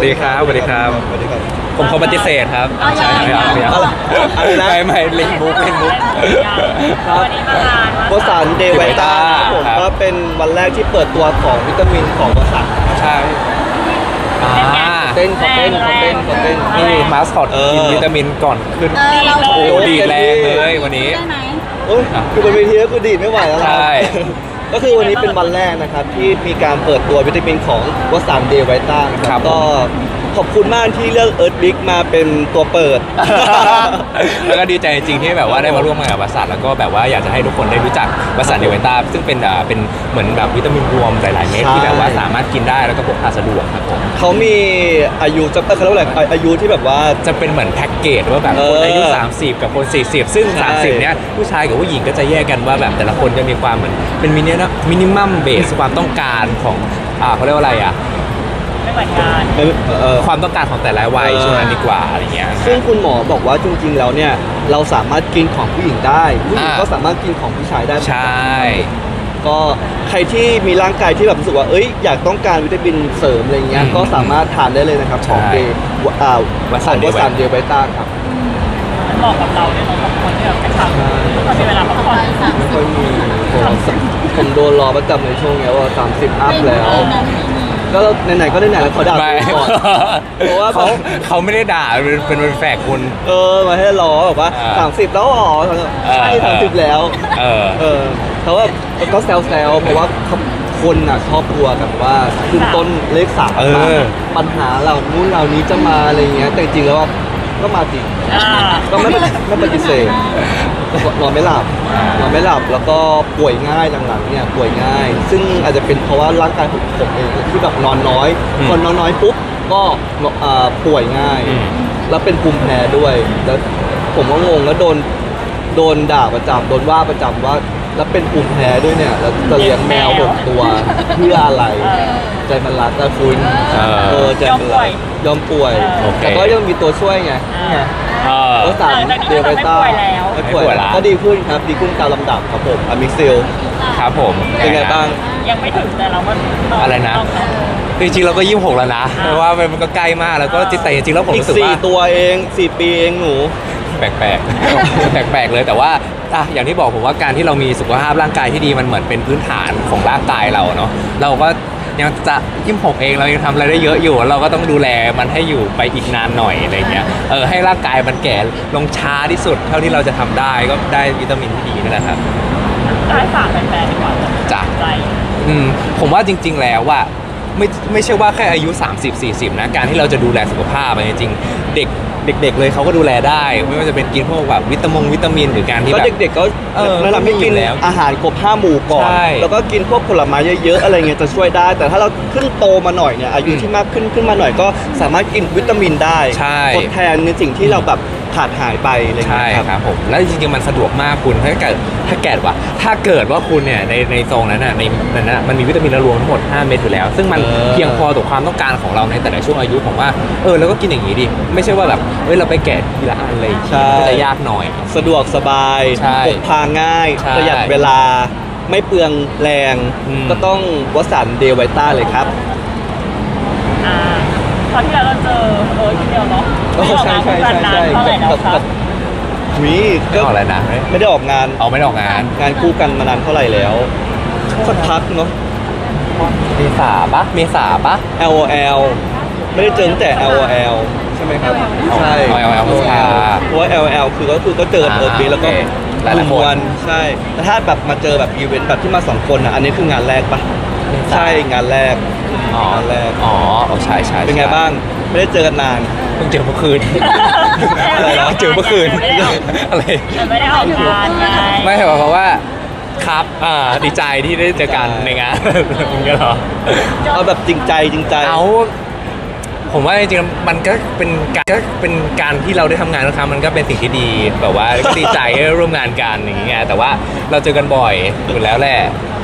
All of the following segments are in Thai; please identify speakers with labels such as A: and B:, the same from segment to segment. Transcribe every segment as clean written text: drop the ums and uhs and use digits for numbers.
A: ดีครับสวัสดีครับ
B: สวัสดีครับ
A: ผมขอปฏิเสธครับใช่ไม่เอาไม่เอา
B: อะไรนะ
A: ไม่เล่นมุกเล่นมุก
C: วันนี้มางาน
B: วสันต์เดย์ไวต้าผม
A: ครับ
B: ก็เป็นวันแรกที่เปิดตัวของวิตามินของวสันต์
A: ใช่
B: เต้นเขาเต้น
A: นี่มาสคอตกินวิตามินก่อนขึ้น
C: เรา
A: โอ้ดีแรงเลยวันนี้
C: ได้ไหม
B: โอ้ยคือบนเวทีก็คือดีดไม่ไหวแล้วนะ
A: ใช่
B: ก็คือวันนี้เป็นวันแรกนะครับที่มีการเปิดตัววิตามินของวสันต์เดย์ไวต้านะค
A: ครั
B: รั
A: บบ ผม
B: ก็ขอบคุณมากที่เลือกเอิร์ธบิ๊กมาเป็นตัวเปิด
A: แล้วก็ดีใจจริงๆที่แบบว่าได้มาร่วมงานกับวสันต์แล้วก็แบบว่าอยากจะให้ทุกคนได้รู้จักวสันต์เดวิต้าซึ่งเป็นเหมือนแบบวิตามินรวมหลายๆเม็ด
B: ใช่
A: ที่แบบว่าสามารถกินได้แล้วก็พกพาสะดวกครับผม
B: เขามีอายุจะเขาเรียกว่าอะไรอายุที่แบบว่า
A: จะเป็นเหมือนแพ็กเกจว่าแบบคนอายุ30กับคน40ซึ่ง
B: ใช่
A: 30เนี้ยผู้ชายกับผู้หญิงก็จะแยกกันว่าแบบแต่ละคนจะมีความเหมือนเป็นมินิมัมเบสความต้องการของเขาเรียกว่าอะไร
C: ไม่เหมือนกัน
A: ความต้องการของแต่ละวัยช่วงนั้นดีกว่าอะไรเงี้ย
B: ซึ่งคุณหมอบอกว่าจริงๆแล้วเนี่ยเราสามารถกินของผู้หญิงได้ผู้หญิง
A: อ่า
B: ก็สามารถกินของผู้ชายได้เหมือน
A: ใช
B: กัน่ ก็ใครที่มีร่างกายที่แบบรู้สึกว่าอยากต้องการวิตามินเสริมอะไรเงี้ยก็สามารถทานได้เลยนะครับของเดย์
A: วสันต์
B: วสันต์เดย์ไวต้าครับ
C: มันเหมาะกับเราเนี่ยเราสองคนที่แบบไปทำทุกคนมีเวลาพักผ่อน
B: ไม่ค่อยมีผมโดนรอประจำในช่วงเนี้ยว่า30อัพแล้ว ก็ไหนๆก็ไหนๆแล้วเขาด่า
A: ไม่
B: ผมก่อน เพราะว่า
A: เขาไม่ได้ด่าเป็นแฝกคุณ
B: มาให้รอแบบว่า 30แล้วอ๋อใช่30แล้ว เขาว่าก็แซวๆเพราะว่าคนอ่ะชอบกลัวกันว่าขึ้นต้นเลข3มาปัญหาเหล่านู้นเหล่านี้จะมาอะไรเงี้ยแต่จริงๆแล้วก็มาจริงก็ไม่ปฏิเสธนอนไม่หลับแล้วก็ป่วยง่ายหลังๆเนี่ยป่วยง่าย ซึ่งอาจจะเป็นเพราะว่าร่างกายผมเองที่แบบนอนน้อยคนนอนน้อยปุ๊บก็ป่วยง่าย แล้วเป็นภูมิแพ้ด้วยแล้วผมก็งงแล้วโดนด่าประจำโดนว่าประจำว่าแล้วเป็นภูมิแพ้ด้วยเนี่ยแล้วจะเลี้ยงแมว6 ตัวเพื่ออะไรใจมันรักแต่คุณใจมันรักยอมป่วย แต่ก็ยังมีตัวช่วยไงก็สามเดลต้าไม่ป่วยแล้วก็ดีขึ้นครับดีขึ้นตามลำดับครับผมอะมิกซิล
A: ครับผม
B: เป็นไงบ้าง
C: ยังไม่ถึงแต่เราก็
A: อะไรนะ จริงๆเราก็26แล้วนะเพราะว่ามันก็ใกล้มากแล้วก็แต่จริงๆแล้วผม
B: อีก
A: รู้สึกว่า
B: 4 ตัวเอง4 ปีเองหนู
A: แปลกๆ แปลกๆเลยแต่ว่าอย่างที่บอกผมว่าการที่เรามีสุขภาพร่างกายที่ดีมันเหมือนเป็นพื้นฐานของร่างกายเราเนาะเราก็ยังจะ26เองเรายังทำอะไรได้เยอะอยู่เราก็ต้องดูแลมันให้อยู่ไปอีกนานหน่อยอะไรเงี้ยให้ร่างกายมันแก่ลงช้าที่สุดเท่าที่เราจะทำได้ก็ได้วิตามินที่ดีนั่นแหละครับ
C: ได้ฝากแฟนๆดีกว่า
A: จ้ะ
C: ใจ
A: ผมว่าจริงๆแล้วว่าไม่ใช่ว่าแค่อายุ30-40นะการที่เราจะดูแลสุขภาพจริงๆเด็กเลยเขาก็ดูแลได้ไม่ว่าจะเป็นกินพวกแบบวิตามินหรือการที่
B: ก็
A: แบบ
B: เด็กๆก็แนะนำให้กิน
A: แล้ว
B: อาหารครบ5 หมู่ก่อน
A: ใช่
B: แล้วก็กินพวกผลไม้เยอะๆอะไรเงี้ยจะช่วยได้ แต่ถ้าเราขึ้นโตมาหน่อยเนี่ยอายุที่มากขึ้นมาหน่อยก็สามารถกินวิตามินได้
A: ใช่
B: ทดแทนในสิ่งที่เราแบบขาดหายไปอะไร
A: ใช่
B: เงี้ย
A: ครับผมแล้วจริงๆมันสะดวกมากคุณถ้าเกิดว่าคุณเนี่ยในซองนั้นน่ะในนั้นน่ะมันมีวิตามินรวมทั้งหมด5 เม็ดอยู่แล้ว ซึ่งมันเพียงพอต่อความต้องการของเราในแต่ละช่วงอายุผมว่าแล้วก็กินอย่างนี้ดิไม่ใช่ว่าแบบเราไปแกะทีละอันเลยก็จะยากหน่อย
B: สะดวกสบาย
A: ใช่
B: พกพาง่าย
A: ใช่
B: ประหยัดเวลาไม่เปลืองแรง ก็ต้องวสันต์เดย์ไวต้าเลยครับ
C: ตอนที่เราเจอทีเดียวเนาะ
B: ใช่
C: เท่าไหร่แล้วครับ
B: วี
A: ไม่ออกอะไรนะ
B: ไม่ได้ออกงาน
A: ไม่ได้ออกงาน
B: งานคู่กันมานานเท่าไหร่แล้วสักพักเนาะ
A: เมษาปะ
B: LOL ไม่ได้เจอตั้งแต่ LOL ใช่ไหมครับ ใช่
A: LOL
B: เพราะว่า LOL คือก็เจอเอิร์ธบีแล้วก็
A: หลายๆคน
B: ใช่แต่ถ้าแบบมาเจอแบบอีเวนต์แบบที่มา2 คนอันนี้คืองานแรกปะใช่งานแรกงานแรก
A: ใช่
B: เป็นไงบ้างไม่ได้เจอกันนาน
A: เพิ่งเจอเมื่อคืนอะไรนะเจอเมื่อคืนอะไร
C: ไม่ได้ออกงานไง
A: ไม่ใช่เพราะว่าครับดีใจที่ได้เจอกันในงานมึงก็เหรอ
B: เอาแบบจริงใจ
A: ผมว่าจริงๆมันก็เป็นการที่เราได้ทำงานนะครับมันก็เป็นสิ่งที่ดีแบบว่าก็ดีใจที่ได้ร่วมงานกันอย่างเงี้ยแต่ว่าเราเจอกันบ่อยอยู่แล้วแหละ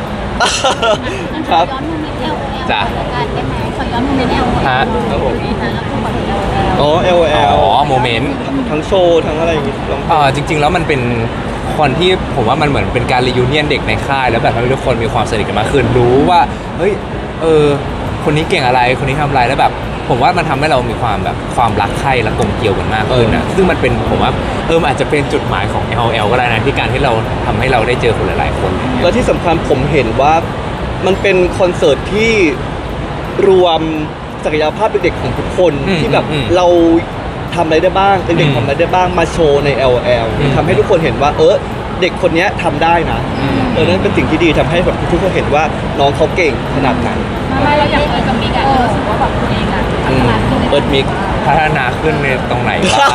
B: ครับ
A: จ้ะ
C: ขอย้อนโมเมนต์ LOL
A: ฮะ
B: ครับผม
C: แล้วก็บอก LOL
B: อ๋อ LOL
A: โมเมนต์
B: ทั้งโชว์ทั้งอะไรอย่างงี้ลอง
A: จริงๆแล้วมันเป็นคนที่ผมว่ามันเหมือนเป็นการรียูเนียนเด็กในค่ายแล้วแบบทำให้ทุกคนมีความสนิทกันมากขึ้นรู้ว่าเฮ้ยคนนี้เก่งอะไรคนนี้ทำอะไรแล้วแบบผมว่ามันทำให้เรามีความแบบความรักใคร่และกลมเกลียวกันมากขึ้นนะซึ่งมันเป็นผมว่ามันอาจจะเป็นจุดหมายของ LL ก็ได้นะที่การที่เราทำให้เราได้เจอคนหลายๆคน
B: แล้วที่สำคัญผมเห็นว่ามันเป็นคอนเสิร์ตที่รวมศักยภาพเด็กๆของทุกคนที่แบบเราทำอะไรได้บ้างเด็กๆทำอะไรได้บ้างมาโชว์ใน LL ทำให้ทุกคนเห็นว่าเด็กคนนี้ทำได้นะนั่นเป็นสิ่งที่ดีทำให้แบบทุกคนเห็นว่าน้องเขาเก่งขนาดไหน
C: ไม่เราอยากเปิดกับมิกอะรู้สึกว่าแบบตัวเองอะพัฒนาขึ้น
B: เอิร์ธมิก
A: พัฒนาขึ้นในตรงไหนบ้าง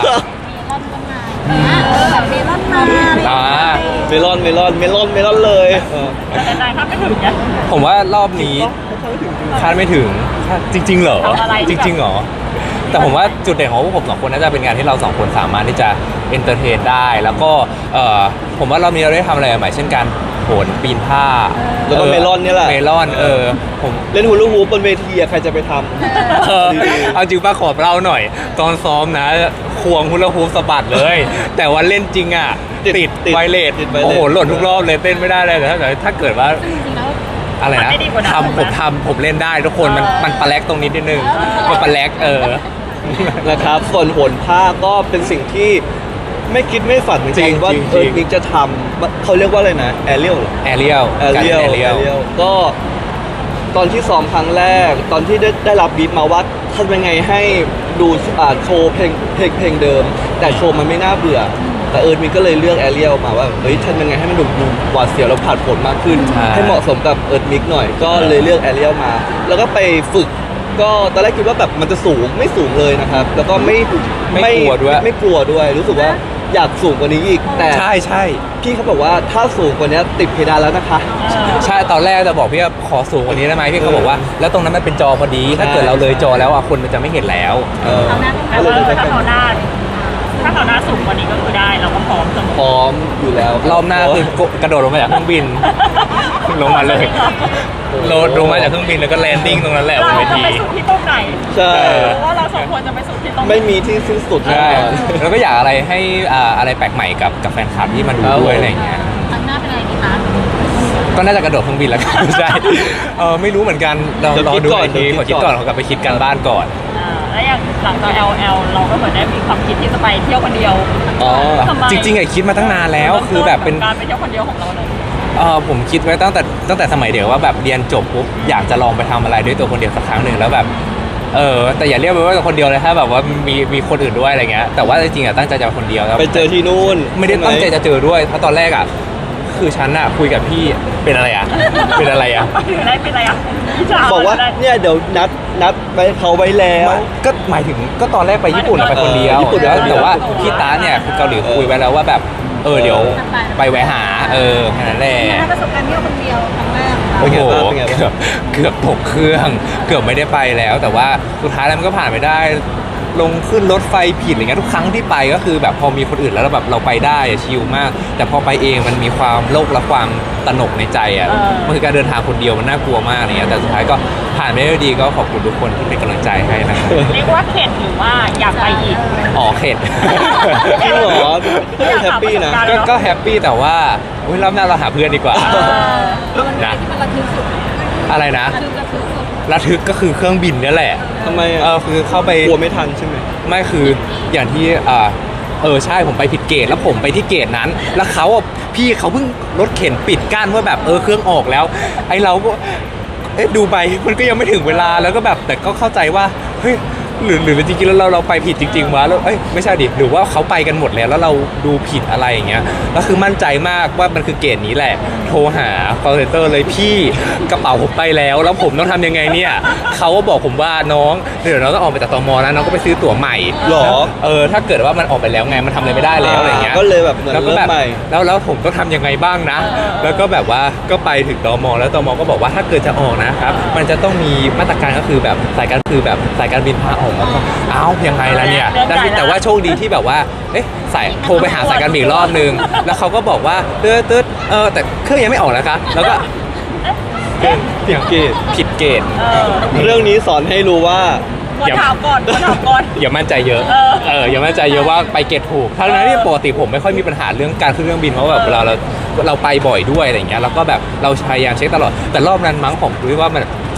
C: แบบเมลอนมา
A: อ่า
B: เมลอนเลย
C: แต่นายถ้าไม่ถึงเนี่ย
A: ผมว่ารอบนี้คาดไม่ถึงจริงๆเหรอ
C: ทำอะไร
A: จริงๆเหรอแต่ผมว่าจุดเด่นของพวกผมสองคนน่าจะเป็นการที่เราสองคนสามารถที่จะเอนเตอร์เทนได้แล้วก็ผมว่ารอบนี้เราได้ทำอะไรใหม่เช่นการโหนปีนผ้า
B: แล้วก็เมลอนเนี่ยแหละ
A: เมลอนผม
B: เล่นฮูลูฮูปบนเวทีอะใครจะไปทำ
A: เอาจริงป้าขอเล่าหน่อย ตอนซ้อมนะควงฮุลาฮูปสะบัดเลย แต่วันเล่นจริงอ่ะ
B: ติด
A: ไวเลส
B: ติดไวเลส
A: โอ้โหหล่นทุกรอบเลยเต้นไม่ได้เลยแต่ถ้าเกิดว่า
C: จริงๆแล้ว
A: อะไรนะผมเล่นได้ทุกคนมันปลาแลกตรงนี้นิดนึงมันปลาแลก
B: นะครับส่วนโหนผ้าก็เป็นสิ่งที่ไม่คิดไม่ฝันเหมือนกันว่าเอิร์ธมิกจะทำเขาเรียกว่าอะไรนะแอเรียล
A: แอเรียล
B: ก็ตอนที่ซ้อมครั้งแรก ตอนที่ได้รับบีทมาว่าทำยังไงให้ดูโชว์เพลงเดิม แต่โชว์มันไม่น่าเบื่อ แต่เอิร์ธมิกก็เลยเลือกแอเรียลมาว่าเฮ้ยทำยังไงให้มันดูหวาดเสียวแล้วผ่านผลมากขึ้น ให้เหมาะสมกับเอิร์ธมิกหน่อยก็เลยเลือกแอเรียลมา แล้วก็ไปฝึกก็ตอนแรกคิดว่าแบบมันจะสูงไม่สูงเลยนะครับ แล้วก็ไม่กลัวด้วยรู้สึกว่าอยากสูงกว่านี้อีกแต่
A: ใช่
B: พี่เขาบอกว่าถ้าสูงกว่านี้ติดเพดานแล้วนะคะ
A: ใช่ตอนแรกจะบอกพี่ว่าขอสูงกว่านี้ได้ไหมพี่เขาบอกว่าแล้วตรงนั้นมันเป็นจอพอดีถ้าเกิดเราเลยจอแล้วคนมันจะไม่เห็นแล้ว
C: เอาหน้าต้องการว่าถ้าเขาหน้าสูงกว่านี้ก็คือได้เราก็พร้อมเสมอ
B: พร้อมอยู่แล้ว
A: รอบหน้าคือกระโดดลงมาจากเครื่องบิน ลงมาเลยลงมาจากเครื่องบินแล้วก็แลนดิ้งตรงนั้นแหละบ
C: เรา
A: นเว
C: จะ
A: ที
C: ไปสุดที่ตรงไหน
B: ใช่
C: ว่าเราสองคนจะไปสุดที่ตรงไหน
B: ไม่มีที่สิ้นสุดแน่
A: ใช่
B: นอน
A: แล้วก็อยากอะไรให้อะไรแปลกใหม่กับแฟนคลับที่มาดูด้วยอะไรอย่างเงี้ย
C: ครั้งหน้าเป็นอะไรดีคะ
A: ก็น่าจะกระโดดเครื่องบินแล้วกัน ใช่ไม่รู้เหมือนกันเรารอดูอีกทีขอคิดก่อนขอกลับไปคิดกันบ้านก่อน
C: แล้วอย่างหลังจาก LL เราก็เหมือนได้มีความคิดที่จะไปเที่ยวคนเดียว
B: อ๋อ
C: ทำไม
A: จริงๆคิดมาตั้งนานแล้วคือแบบเป็น
C: การไปเที่ยวคนเดียวของเราเลย
A: ผมคิดไว้ตั้งแต่สมัยเด็กว่าแบบเรียนจบปุ๊บอยากจะลองไปทำอะไรด้วยตัวคนเดียวสักครั้งหนึ่งแล้วแบบแต่อย่าเรียกว่าตัวคนเดียวเลยถ้าแบบว่ามีคนอื่นด้วยอะไรเงี้ยแต่ว่าจริงๆตั้งใจจะไปคนเดียวแล้ว
B: ไปเจอที่นู่น
A: ไม่ได้ตั้งใจจะเจอด้วยเพราะตอนแรกคือฉันคุยกับพี่เป็นอะไรเป็นอะไร
C: ถึงได้เป็นอะไรอ่ะ
B: บอกว่าเนี่ยเดี๋ยวนัดไปเขาไว้แล้ว
A: ก็หมายถึงก็ตอนแรกไปญี่ปุ่นไปคนเดียว
B: ญี่ปุ่น
A: แล้วแต่ว่าพี่ตาเนี่ยคือเกาหลีคุยไว้แล้วว่าแบบเดี๋ยวไปแวะหาแค่นั้นแหละ
C: ประสบการณ์เที่ยวคนเดียวครั้งแรก
A: โอ้โห
B: เป็นไงบ้าง
A: เกือบตกเครื่องเกือบไม่ได้ไปแล้ว แต่ว่าสุดท้ายแล้วมันก็ผ่านไปได้ลงขึ้นรถไฟผิดอะไรเงี้ยทุกครั้งที่ไปก็คือแบบพอมีคนอื่นแล้วแบบเราไปได้ชิลมาก แต่พอไปเองมันมีความโลกและความตระหนกในใจมันคือการเดินทางคนเดียวมันน่ากลัวมากอะไรเงี้ยแต่สุดท้ายก็ผ่านไปได้ด้วยดีก็ขอบคุณทุกคนที่เป็นกำลังใจให้นะครับ
C: เรียกว่าเข็ดหรือว่าอยากไปอีก
A: เข็ด
B: จริงเหรอแฮปปี้นะ
A: ก็แฮปปี้แต่ว่ารอบหน้าเราหาเพื่อนดีกว่านะ
C: ที่มันระทึกสุด
A: อะไรนะ
C: ระทึกสุด
A: ระทึกก็คือเครื่องบินนี่แหละ
B: ทำไม
A: คือเข้าไป
B: กลัวไม่ทันใช่ไหม
A: ไม่คืออย่างที่ใช่ผมไปผิดเกตแล้วผมไปที่เกตนั้น แล้วพี่เขาเพิ่งรถเข็นปิดกั้นว่าแบบเครื่องออกแล้ว ไอเราก็ดูไปมันก็ยังไม่ถึงเวลาแล้วก็แบบแต่ก็เข้าใจว่าเฮ้ยหรือจริงๆแล้วเราไปผิดจริงๆวะแล้วไม่ใช่ดิหรือว่าเขาไปกันหมดแล้วเราดูผิดอะไรอย่างเงี้ยแล้วคือมั่นใจมากว่ามันคือเกตนี้แหละโทรหา call center เลยพี่กระเป๋าผมไปแล้วผมต้องทำยังไงเนี่ยเขาก็บอกผมว่าน้องเดี๋ยวน้องต้องออกไปจากตมนะน้องก็ไปซื้อตั๋วใหม่
B: หรอ
A: ถ้าเกิดว่ามันออกไปแล้วไงมันทำอะไรไม่ได้แล้วอะไรเงี้ย
B: ก็เลยแบบเหมือน
A: แล้วก็
B: เริ่
A: แบ
B: ม
A: บ
B: ใหม่
A: แล้วผมต้องทำยังไงบ้างนะ แล้วก็แบบว่าก็ไปถึงตมแล้วตมก็บอกว่าถ้าเกิดจะออกนะครับมันจะต้องมีมาตรการก็คือแบบสายการบินพาออกแล้วก็ยังไงล่ะเนี่ยแต่ว่าโชคดีที่แบบว่าโทรไปหาสายการบินอีกรอบนึงแล้วเขาก็บอกว่าตึ๊ดแต่เครื่องยังไม่ออกนะคะแล้วก็
B: ผิดเกต
A: ผิดเกณฑ์
B: เรื่องนี้สอนให้รู้ว่า
C: ควรถามก่อน
A: อย่ามั่นใจเยอะอย่ามั่นใจเยอะว่าไปเกตถูกทั้งนั้นที่ปกติผมไม่ค่อยมีปัญหาเรื่องการขึ้นเครื่องบินเพราะแบบเวลาเราไปบ่อยด้วยอะไรอย่างเงี้ยแล้วก็แบบเราพยายามเช็คตลอดแต่รอบนั้นมั้งผมรู้ว่ามัน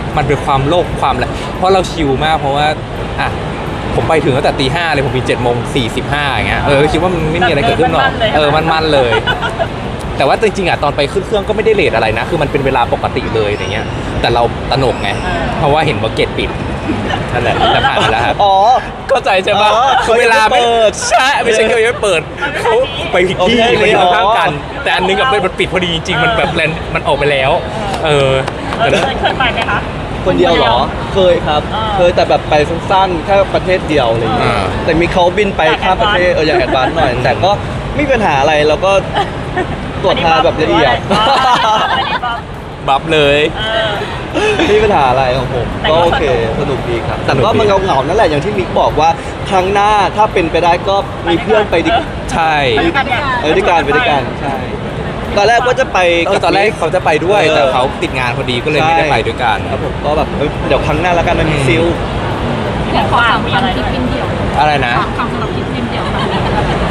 A: มันเป็นความโลภความอะไรเพราะเราชิลมากเพราะว่าอ่ะผมไปถึงตั้งแต่ตี 5เลยผมมี7:45อย่างเงี้ยคิดว่ามันไม่มีอะไรเกิดขึ้นหรอกมันเลย แต่ว่าจริงๆอ่ะตอนไปขึ้นเครื่องก็ไม่ได้เลทอะไรนะคือมันเป็นเวลาปกติเลยอย่างเงี้ยแต่เราตระหนกไงเพราะว่าเห็นว่าเกตปิดนั่นแหละแต่ผ่านไปแล้วครับ
B: อ๋อ
A: เข้าใจใช่ปะ
B: อ๋อ
A: คือเวลาไม่
B: เขายังไม่เปิด
A: ใช่ไม่ใช่เขายังไม่เปิดเขาไปผิดที่
B: โอเค
A: มันอยู่ข้างๆกัน
B: อ๋อ
A: แต่อันนึงกับมันปิดพอดีจริงๆมันแบบแลนมันออกไปแล้วแต่
C: เคยไปไหมคะ
B: คนเดียวเหรอ เคยครับ เคยแต่แบบไปสั้นๆแค่ประเทศเดียวอะไรอย่างเงี้ยแต่มีเขาบินไปข้ามประเทศอยากแอดวานซ์หน่อย แต่ก็ไม่มีปัญหาอะไรแล้วก็ตรวจทานแบบละเอียด
A: บัฟเลย
B: ไม่มีปัญหาอะไรของผมก็โอเคสนุกดีครับ แต่ก็มันเหงาๆนั่นแหละอย่างที่มิกบอกว่าครั้งหน้าถ้าเป็นไปได้ก็มีเพื่อนไปดี
A: ใช่
B: ด้วยกันไปด้วยกันใช่ตอนแรกก็จะไป
A: ตอนแรกเขาจะไปด้วยแต่เขาติดงานพอดีก็เลยไม่ได้ไปด้วยกัน
B: ครับผมก็แบบเดี๋ยวครั้งหน้าแล้วกันมันมีซิล
C: อยากฝากมีอะไร
D: ทริปบินเดี่ยว
A: อะไรนะ
D: ฝากคำสำหรับทริปบินเดี่ยวแบบนี้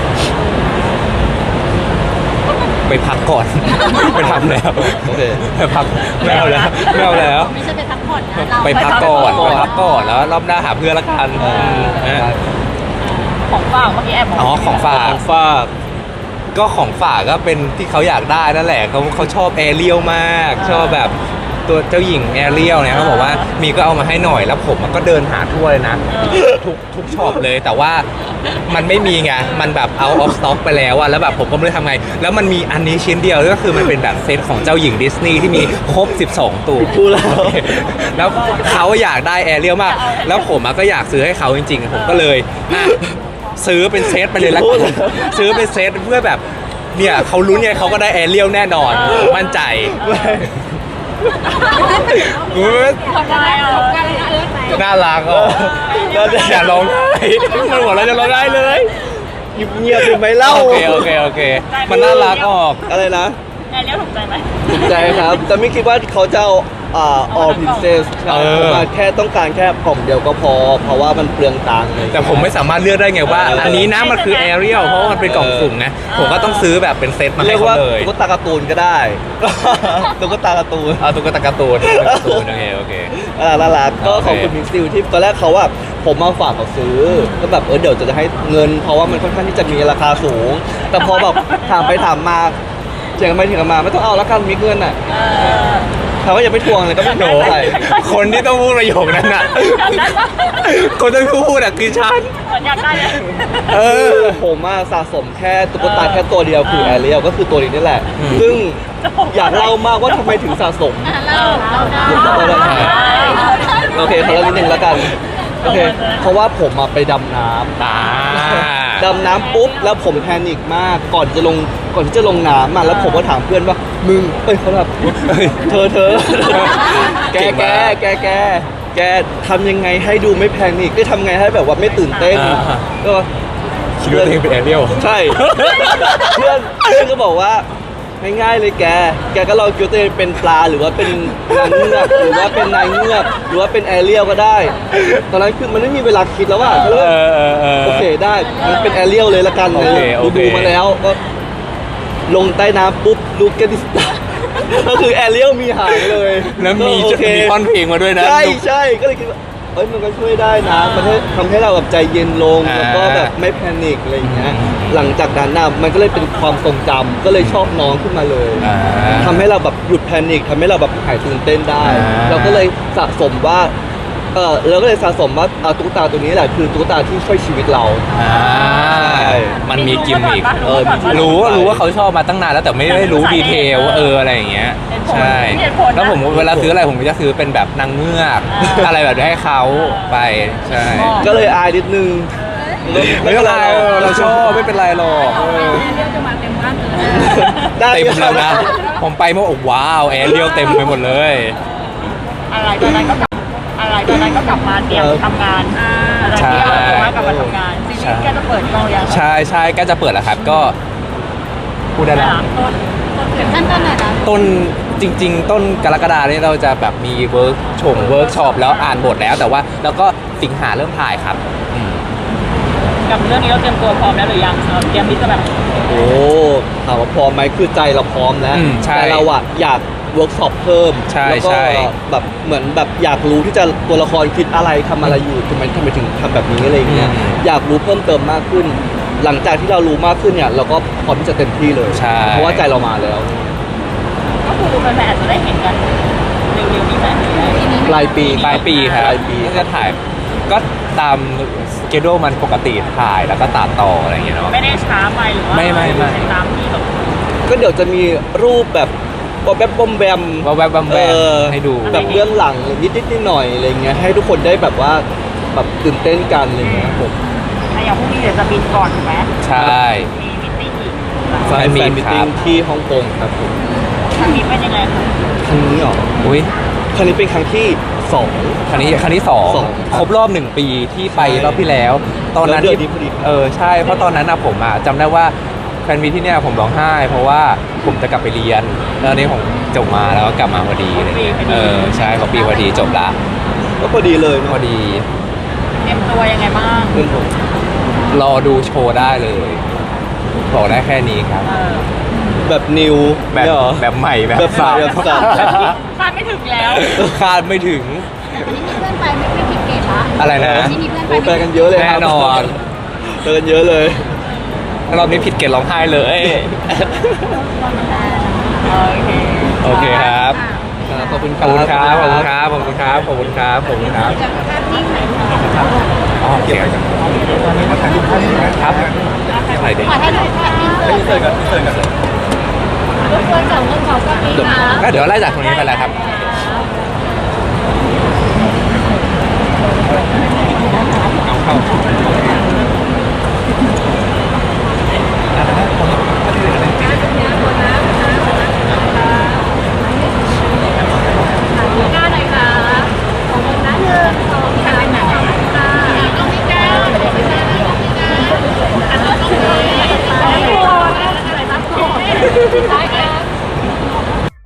A: ไปพักก่อน ไปทำแล้ว
B: โอเค
A: ไปพักไม่เอาแล้วไม่เอาแล้ว
D: ไม่ใช่ไปพักผ่อนนะเรา
A: ไปพักก่อนแล้วรอบหน้าหาเพื่อนละกันนะ
C: ของฝากเมื่อกี้แอบบอก
A: อ๋อของฝาก
B: ฝาก
A: ก็ของฝากก็เป็นที่เขาอยากได้นั่นแหละเขาชอบแอเรียลมาก ชอบแบบตัวเจ้าหญิงแอเรียลเนี่ยเขาบอกว่ามีก็เอามาให้หน่อยแล้วผมก็เดินหาทั่วเลยนะทุกช็อปเลยแต่ว่ามันไม่มีไงมันแบบ out of stock ไปแล้วอะแล้วแบบผมก็ไม่รู้ทำไงแล้วมันมีอันนี้ชิ้นเดียวก็คือมันเป็นแบบเซตของเจ้าหญิงดิสนีย์ที่มีครบ 12 ตัว
B: พูดแล้ว
A: แล้วเขาอยากได้แอเรียลมาก แล้วผมก็อยากซื้อให้เขาจริงๆ ผมก็เลยอ่ะซื้อเป็นเซตไปเลยละกันซื้อเป็นเซตเพื่อแบบเนี่ยเขาลุ้นไงเขาก็ได้แอเรียลแน่นอนมั่นใจ
C: ทำไมอ่ะ
A: น่ารักอ่ะอย่าร้องไห้มันหัวเราะจะร้องไห้เลย
B: เงียบๆเลยไหมเล่า
A: โอเคมันน่ารักออก
B: อะไรนะ
C: แอนเลี้ยวถูกใจไหม
B: ถูกใจครับ แต่ไม่คิดว่าเขาจะเอาall princess ใช่ผมมาแค่ต้องการแค่กล่องเดียวก็พอ เพราะว่ามันเปลืองตังค์เลย
A: แต่ผมไม่สามารถเลือกได้ไงว่า อันนี้นะมันคือแอเรียลเพราะว่ามันเป็นกล่องสุ่มนะผมก็ต้องซื้อแบบเป็นเซตมา
B: เรี
A: ให้
B: ยก
A: เขา
B: ว่า
A: เลย
B: ตุ๊กตาการ์ตูนก็ได้ ตุ๊กตาการ์ตูน
A: เอาตุ๊กตาการ์ตูนโอเค
B: น่ารักก็
A: โอเค
B: ขอบคุณมิกซิลที่ตอนแรกเขาว่าผมมาฝากเขาซื้อก็แบบเดี๋ยวจะให้เงิน เพราะว่ามันค่อนข้างที่จะมีราคาสูง แต่พอแบบถามไปถามมาเถียงกันไปเถียงกันมาไม่ต้องเอาแล้วกันมิกเงินอ่ะถามว่าอย่าไปทวงเลยก็ไม่โดนอะไร
A: คนที่ต้องพูดประโยคนั้นน่ะ คนที่ต้องพูดอ่ะคือฉัน
C: เหมือนอยากได้เลย
B: ผมอะสะสมแค่ตุ๊กตาแค่ตัวเดียวคือแอเรียลก็คือตัวนี้นี่แหละ ซึ่งอยากเล่ามากว่าทำไมถึงสะสม
D: เราได้
B: โอเคขอเล่านิดนึงแล้วกันโอเคเพราะว่าผมมาไปดำน้ำ ดำน้ำปุ๊บแล้วผมแพนิคมากก่อนที่จะลงน้ำแล้วผมก็ถามเพื่อนว่ามึงเขาแบบเธอแกทำยังไงให้ดูไม่แพนิคได้ทำไงให้แบบว่าไม่ตื่นเต้นก็
A: คิดว่าตัวเองเป็นแอเรียล
B: ใช่ เพื่อนก็บอกว่าง่ายๆเลยแกก็ลองคิดว่าตัวเองเป็นปลาหรือว่าเป็นนางเงือกหรือว่าเป็นนายเงือกหรือว่าเป็นแอเรียลก็ได้ ตอนนั้นคือมันไม่มีเวลาคิดแล้วว่าก็เลยโอเคได้มันเป็นแอเรียลเลยละกันดูมาแล้วก็ลงใต้น้ำปุ๊บลูกแกดิสตาก็คือแอเรียลมีหางเลย
A: แล้วมี
B: โอเค
A: ท่อนเพลงมาด้วยนะ
B: ใช่ก็เลยคิดว่ามันก็ช่วยได้นะมันทำให้เราแบบใจเย็นลงแล้วก็แบบไม่แพนิคอะไรอย่างเงี้ยหลังจากนั้นนะมันก็เลยเป็นความทรงจำก็เลยชอบน้องขึ้นมาเลยทำให้เราแบบหยุดแพนิคทำให้เราแบบหายตื่นเต้นได้ เราก็เลยสะสมว่าเราก็เลยสะสมว่าตุ๊กตาตัวนี้แหละคือตุ๊กตาที่ช่วยชีวิตเรา
A: มันมีกิมมิค
B: รู้
A: รู้ว่าเขาชอบมาตั้งนานแล้วแต่ไม่ได้รู้ดีเทลว่าอะไรอย่างเงี้ยใช่แล้วผมเวลาซื้ออะไรผมก็จะซื้อเป็นแบบนางเงือกอะไรแบบนี้ให้เขาไปใช่
B: ก็เลยอายนิดนึง
A: ไม่เป็นไรเราชอบไม่เป็นไรหรอก
D: เรียกจะมาเต็มบ้านเลย
B: ได้
A: เต็มแล้วนะผมไปเมื่อว้าวแอร์เรียลเต็มไปหมดเลย
C: อะไรตอนนั้นก็กลับมาเตรียมทำงานอะไรที่เอาตัวกลับมาทำงานซีรีส์แกจะเปิดกล้องยัง
A: ใช่ก็จะเปิดแล้วครับก็พูดได้แล้ว
D: ถึงขั้นตอนไหนนะ
A: ต้นจริง ๆ ต้นกรกฎาเนี่ยเราจะแบบมีเวิร์กช็อปแล้วอ่านบทแล้วแต่ว่าแล้วก็สิงหาเริ่มถ่ายครับอืม
C: กับเรื่องนี้เราเตรียมตัวพร้อมแล้วหรือยังเตรียมที่จะแบบ
B: โอ้ถามว่าพร้อมไหมคือใจเราพร้อมแล้ว
A: ใช่
B: แต่เราอะอยากเวิร์กช็อปเพิ่ม
A: ใช่
B: แล้วก็
A: ใช่
B: แบบเหมือนแบบอยากรู้ที่จะตัวละครคิดอะไรทำอะไรอยู่ทำไมถึงทำแบบนี้อะไรอย่างเงี้ยอยากรู้เพิ่มเติมมากขึ้น หลังจากที่เรารู้มากขึ้นเนี่ยเราก็พร้อมที่จะเต็มที่เลย
A: ใช่
B: เพราะว่าใจเรามาแล้ว
C: ก็คือแฟนๆอาจจะได้เห็นกันเร็วๆนี้ไหม
B: ปลายปี
A: ปลายปีครับ
B: ปลายปี
A: ก็จะถ่ายก็ตามสเกดูมันปกติถ่ายแล้วก็ตัดต่ออะไรอย่างเงี้ยเนาะ
C: ไม่ได้ช้าไปหรือว่า
A: ไม่
C: ตามที่แบบ
B: ก็เดี๋ยวจะมีรูปแบบแบบบอมแบม
A: ว่าแวบๆแวบๆให้ดู
B: แบบเรื่องหลังนิดๆหน่อยๆอะไรเงี้ยให้ทุกคนได้แบบว่าแบบตื่นเต้นกันอะไรเงี้ยครับผม
C: อย่างพรุ่งนี้เดี๋ยวจะบินก่อนถูกไหม
A: ใช่
C: มีมิตติ้งอีก
B: แฟนมีตติ้งที่ฮ่องกงครับผม
C: ครั้งนี้เป็นยังไงคะ
B: ครั้งนี้เหรอ
A: อุ้ย
B: ครั้งนี้เป็นครั้งที่สอง
A: ครั้งที่สอง
B: สองครับ
A: ครบรอบ1 ปีที่ไป
B: ใช่
A: รอบที่แล้ว ตอนนั้น
B: แล้วเดือนนี้พอดี
A: ใช่เพราะตอนนั้นนะผมอะจำได้ว่าแฟนมีที่เนี่ยผมร้องไห้ เพราะว่าผมจะกลับไปเรียนแล้วอันนี้ผมจบมาแล้วก็กลับมาพอดีอะไรเงี้ยใช่พอปีพอดีจบละ
B: ก็พอดีเลย
A: พ
B: เนาะ
A: อดี
C: เตรียมตัวยังไงบ้าง
B: เพื่อนผม
A: รอดูโชว์ได้เลยบอกได้แค่นี้ครับ
B: แบบนิว
A: แบบ
B: เนี่ยเหรอ
A: แบบใหม่แบบ
B: แบบใหม่
A: สับ
B: แบบสับ
C: คาดไม่ถึงแล้ว
A: คาดไม่ถึง
D: แต่วันนี้มีเพื่อนไปไม่ผิดเกณฑ์ละ
A: อะไรนะ
D: วันนี้มีเพื่อนไป
B: โอ้แปลกันเยอะเลยครับ
A: แน่นอน
B: แปลกันเยอะเลย
A: รอบนี้ผิดเกณฑ์ร้องไห้เลย
C: โอเค
A: โอเคครับ
B: ขอบคุณ
A: ขอบคุณครับ ขอบคุณครับ ขอบคุณครับ ขอบคุณครับ ขอบคุณครับ
D: จะภาพนิ่งไหนคะ
A: อ๋อโอเคครับถ่ายเด็ก
D: ขอให้ดูภาพนิ่งเลย
B: เจอกันเจอกัน
D: รบกวนจับเรื่องของก็มีนะ
A: ก็เดี๋ยวไล่จากตรงนี้ไปเลยครับ
D: หน้าหน่อยค่ะของคุณนะ1 2 3ค่ะต้องมีก้าวต้องมีก้าวอันนี้ต้องมีก้าวอะไรครับซ้าย